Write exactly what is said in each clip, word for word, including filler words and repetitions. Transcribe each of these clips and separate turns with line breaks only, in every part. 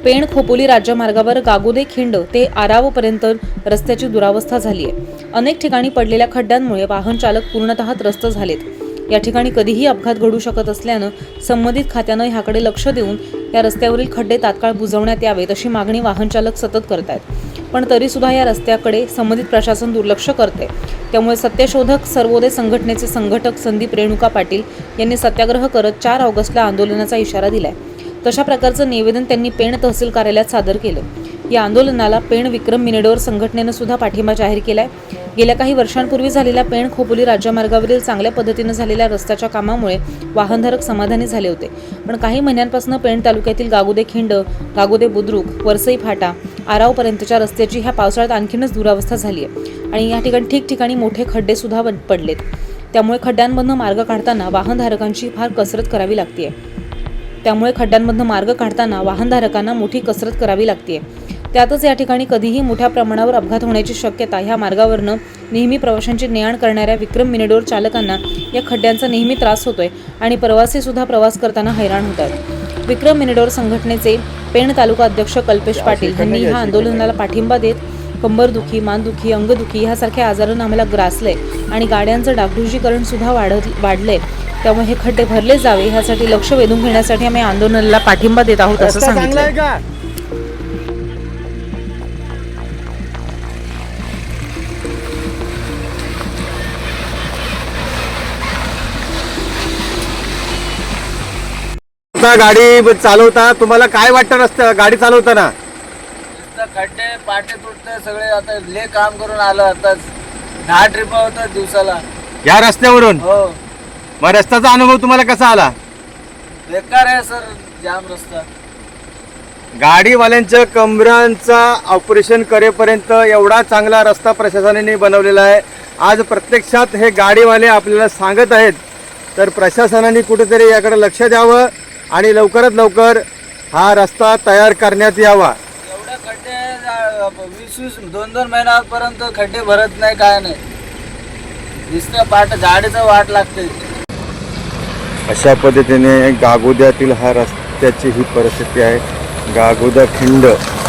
पेण खोपोली राज्यमार्गावर गागोदे खिंड ते आरावपर्यंत रस्त्याची दुरावस्था झाली आहे। अनेक ठिकाणी पडलेल्या खड्ड्यांमुळे वाहन चालक पूर्णतः त्रस्त झालेत। या ठिकाणी कधीही अपघात घडू शकत असल्यानं संबंधित खात्यानं ह्याकडे लक्ष देऊन या रस्त्यावरील खड्डे तात्काळ बुजवण्यात यावेत अशी मागणी वाहन चालक सतत करतायत। पण तरी सुद्धा या रस्त्याकडे संबंधित प्रशासन दुर्लक्ष करते। त्यामुळे सत्यशोधक सर्वोदय संघटनेचे संघटक संदीप रेणुका पाटील यांनी सत्याग्रह करत चार ऑगस्टला आंदोलनाचा इशारा दिलाय। तशा प्रकारचं निवेदन त्यांनी पेण तहसील कार्यालयात सादर केलं। या आंदोलनाला पेण विक्रम मिनेडोर संघटनेनं सुद्धा पाठिंबा जाहीर केलाय। गेल्या काही वर्षांपूर्वी झालेल्या पेण खोपोली राज्यमार्गावरील चांगल्या पद्धतीनं झालेल्या रस्त्याच्या कामामुळे वाहनधारक समाधानी झाले होते। पण काही महिन्यांपासून पेण तालुक्यातील गागोदे खिंड, गागोदे बुद्रुक, वरसई फाटा, आरावपर्यंतच्या रस्त्याची ह्या पावसाळ्यात आणखीनच दुरावस्था झाली आहे आणि या ठिकाणी ठिकठिकाणी मोठे खड्डे सुद्धा पडलेत। त्यामुळे खड्ड्यांमधनं मार्ग काढताना वाहनधारकांची फार कसरत करावी लागते। त्यामुळे खड्ड्यांमधनं मार्ग काढताना वाहनधारकांना मोठी कसरत करावी लागते। त्यातच या ठिकाणी कधीही मोठ्या प्रमाणावर अपघात होण्याची शक्यता ह्या मार्गावरनं नेहमी प्रवाशांची ने आण करणाऱ्या विक्रम मिनेडोर चालकांना या खड्ड्यांचा नेहमी त्रास होतोय आणि प्रवासी सुद्धा प्रवास करताना हैराण होत आहेत। विक्रम मिनेडोर संघटनेचे पेण तालुका अध्यक्ष कल्पेश पाटील यांनी ह्या आंदोलनाला पाठिंबा देत कंबरदुखी, मानदुखी, अंगदुखी ह्यासारख्या आजारांना आम्हाला ग्रासलंय आणि गाड्यांचं डागडुजीकरण सुद्धा वाढत वाढलंय। त्यामुळे हे खड्डे भरले जावे ह्यासाठी लक्ष वेधून घेण्यासाठी आम्ही आंदोलनाला पाठिंबा देत आहोत असं सांगितलं।
गाडी चालवता तुम्हाला काय वाटतं रस्ता गाडी चालवताना?
खड्डे पाटे तुटते सगळे। आता ले काम करून आलो, आताच दहा ट्रिप होतात दिवसाला
या रस्त्यावरून।
हो।
मग रस्त्याचा अनुभव तुम्हाला कसा आला?
बेकार आहे सर, जाम रस्ता।
गाडीवाल्यांच्या कमरांचा ऑपरेशन करेपर्यंत एवढा चांगला रस्ता प्रशासनाने बनवलेला आहे। आज प्रत्यक्षात हे गाडीवाले आपल्याला सांगत आहेत, तर प्रशासनाने कुठेतरी याकडे लक्ष द्यावं आणि लवकरात लवकर हा रस्ता तयार करण्यात यावा।
एवढे खड्डे वीस वीस दोन दोन महिन्यापर्यंत खड्डे भरत नाही, काय नाही, नुसतं पाट गाडीचं वाट लागते।
अशा पद्धतीने गागोद्यातील हा रस्त्याची ही परिस्थिती आहे। गागोदा खिंड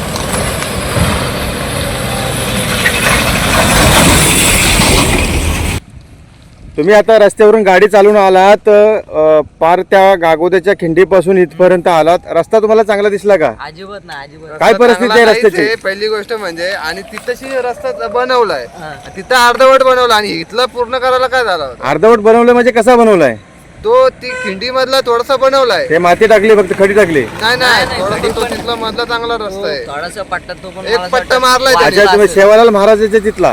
तुम्ही आता रस्त्यावरून गाडी चालवून आलात, पार त्या गागोद्याच्या खिंडीपासून इथपर्यंत आलात। रस्ता तुम्हाला चांगला दिसला का?
अजिबात नाही, अजिबात।
काय परिस्थिती आहे रस्त्याची?
पहिली गोष्ट म्हणजे, आणि तिथंशी रस्ता बनवलाय, तिथं अर्धवट बनवला आणि इथला पूर्ण करायला काय झालं?
अर्धवट बनवलं म्हणजे कसा बनवलाय?
तो ती खिंडी मधला थोडासा बनवलाय,
ते माती टाकली, फक्त खडी टाकली?
नाही नाही, थोडासा तो तिथला मधला चांगला रस्ता आहे।
थोडासा पट्टा तो पण
एक पट्टा मारलाय
अच्छा, तुम्ही सेवालाल महाराजांच्या तिथला,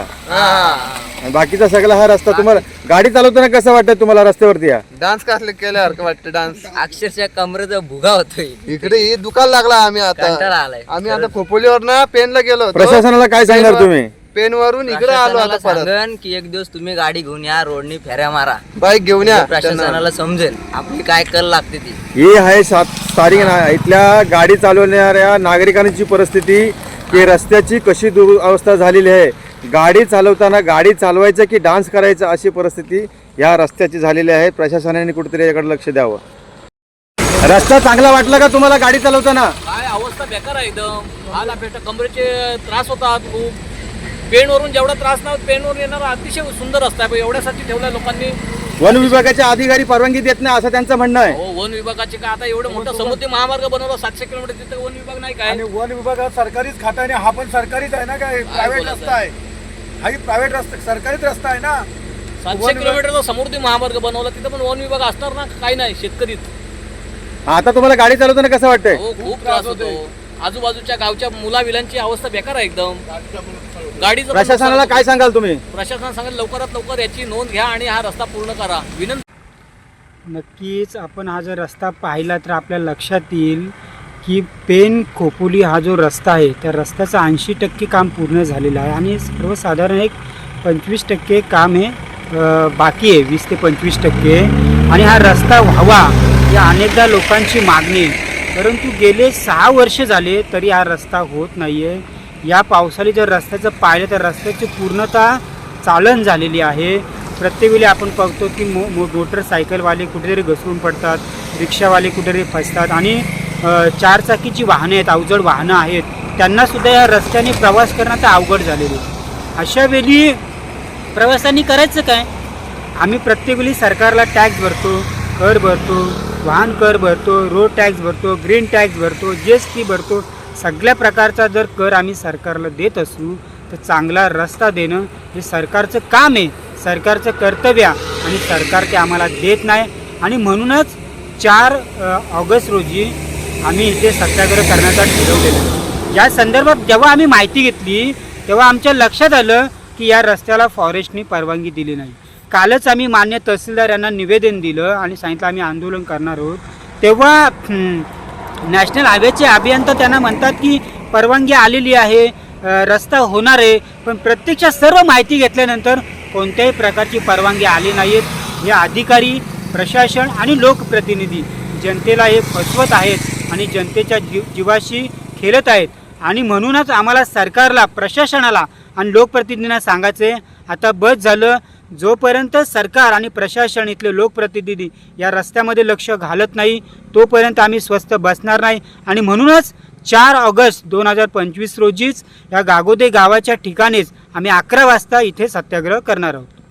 बाकीचा सगळा हा रस्ता तुम्हाला गाडी चालवताना कसं वाटतं तुम्हाला? रस्त्यावरती या
डान्स कसले केल्यासारखं वाटतं, डान्स।
अक्षरशः कमरेचा भुगा होतोय
इकडे हे दुकान लागला। आम्ही आता
कंटाळा आलाय।
आम्ही आता खोपोलीवर ना पेनला गेलो होतो।
प्रशासनाला काय सांगणार तुम्ही?
पेन वरून इकडे आलो आता परत।
सांगन की एक दिवस तुम्ही गाडी घेऊन या, रोडनी फेऱ्या मारा,
बाईक घेऊन या,
प्रशासनाला समजेल आपली काय कल लागते ती।
ही आहे सात तारीख इथल्या गाडी चालवणाऱ्या नागरिकांची परिस्थिती की रस्त्याची कशी दुरवस्था झालेली आहे। गाडी चालवताना गाडी चालवायचं की डान्स करायचं अशी परिस्थिती या रस्त्याची झालेली आहे। प्रशासनाने कुठेतरी याकडे लक्ष द्यावं। रस्ता चांगला वाटला का तुम्हाला गाडी चालवताना?
काय अवस्था बेकार आहे एकदम। हाल अपेक्षा, कमरेचे त्रास होतात खूप। पेणवरून जेवढा त्रास नाही, पेणवरून येणारा अतिशय सुंदर रस्ता आहे, एवढ्यासाठी ठेवला लोकांनी।
वन विभागाचे अधिकारी परवानगी देत नाही असं त्यांचं म्हणणं आहे।
हो, वन विभागाचे काय, आता एवढं मोठं समुद्री महामार्ग बनवला सातशे किलोमीटर, तिथे वन विभाग नाही काय?
आणि वन विभाग हा सरकारीच खाता आहे, हा पण सरकारीच आहे ना, काय प्रायव्हेट रस्ता आहे? हाही प्रायव्हेट रस्ता, सरकारीच रस्ता आहे ना।
सातशे किलोमीटरचा समुद्री महामार्ग बनवला, तिथे पण वन विभाग असणार ना? काही नाही, शेतकरीच।
आता तुम्हाला गाडी चालवताना कसं वाटतंय?
हो, खूप त्रास होतो। आजूबाजूच्या गावच्या मुलाविलांची अवस्था बेकार आहे एकदम। गाडीचं
प्रशासनाला काय सांगाल तुम्ही?
प्रशासन सांगेल लवकरात लवकर याची नोंद घ्या आणि हा रस्ता पूर्ण करा, विनंती।
नक्कीच आपण हा जर रस्ता पाहिला तर आपल्या लक्षात येईल की पेण खोपोली हा जो रस्ता आहे त्या रस्त्याचं ऐंशी टक्के काम पूर्ण झालेलं आहे आणि सर्वसाधारण एक पंचवीस टक्के काम हे बाकी आहे, वीस ते पंचवीस टक्के। आणि हा रस्ता व्हावा या अनेकदा लोकांची मागणी आहे, परंतु गेले सहा वर्ष झाले तरी हा रस्ता होत नाही आहे। या पावसाळी जर रस्त्याचं पाहिलं तर रस्त्याची पूर्णतः चाळण झालेली आहे। प्रत्येक वेळी आपण बघतो की मो मो मोटरसायकलवाले कुठेतरी घसरून पडतात, रिक्षावाले कुठेतरी फसतात आणि अ, चारचाकीची वाहने आहेत, अवजड वाहनं आहेत, त्यांनासुद्धा या रस्त्याने प्रवास करणं आता अवघड झालेलं आहे. अशा वेळी प्रवासांनी करायचं काय? आम्ही प्रत्येक वेळी सरकारला टॅक्स भरतो, कर भरतो, वाहन कर भरतो, रोड टॅक्स भरतो, ग्रीन टॅक्स भरतो, जी एस टी भरतो. सगळ्या प्रकारचा जर कर आम्ही सरकारला देत असू तर चांगला रस्ता देणं हे सरकारचं काम आहे, सरकारचं कर्तव्य आहे आणि सरकार ते आम्हाला देत नाही. आणि म्हणूनच चार ऑगस्ट रोजी आम्ही इथे सत्याग्रह करण्याचा ठरवलेलं आहे. या संदर्भात जेव्हा आम्ही माहिती घेतली तेव्हा आमच्या लक्षात आलं की या रस्त्याला फॉरेस्टनी परवानगी दिली नाही. कालच आम्ही मान्य तहसीलदार यांना निवेदन दिलं आणि सांगितलं आम्ही आंदोलन करणार आहोत. तेव्हा नॅशनल हायवेचे अभियंता त्यांना म्हणतात की परवानगी आलेली आहे, रस्ता होणार आहे, पण प्रत्यक्षात सर्व माहिती घेतल्यानंतर कोणत्याही प्रकारची परवानगी आली नाहीत. हे अधिकारी, प्रशासन आणि लोकप्रतिनिधी जनतेला हे फसवत आहेत आणि जनतेच्या जीव जीवाशी खेळत आहेत. आणि म्हणूनच आम्हाला सरकारला, प्रशासनाला आणि लोकप्रतिनिधींना सांगायचं आहे, आता बस झालं. जोपर्यंत सरकार आणि प्रशासन, इथले लोकप्रतिनिधी या रस्त्यामध्ये लक्ष घालत नाही तोपर्यंत आम्ही स्वस्थ बसणार नाही. आणि म्हणूनच चार ऑगस्ट दोन हजार पंचवीस रोजीच या गागोदे गावाच्या ठिकाणीच आम्ही अकरा वाजता इथे सत्याग्रह करणार आहोत.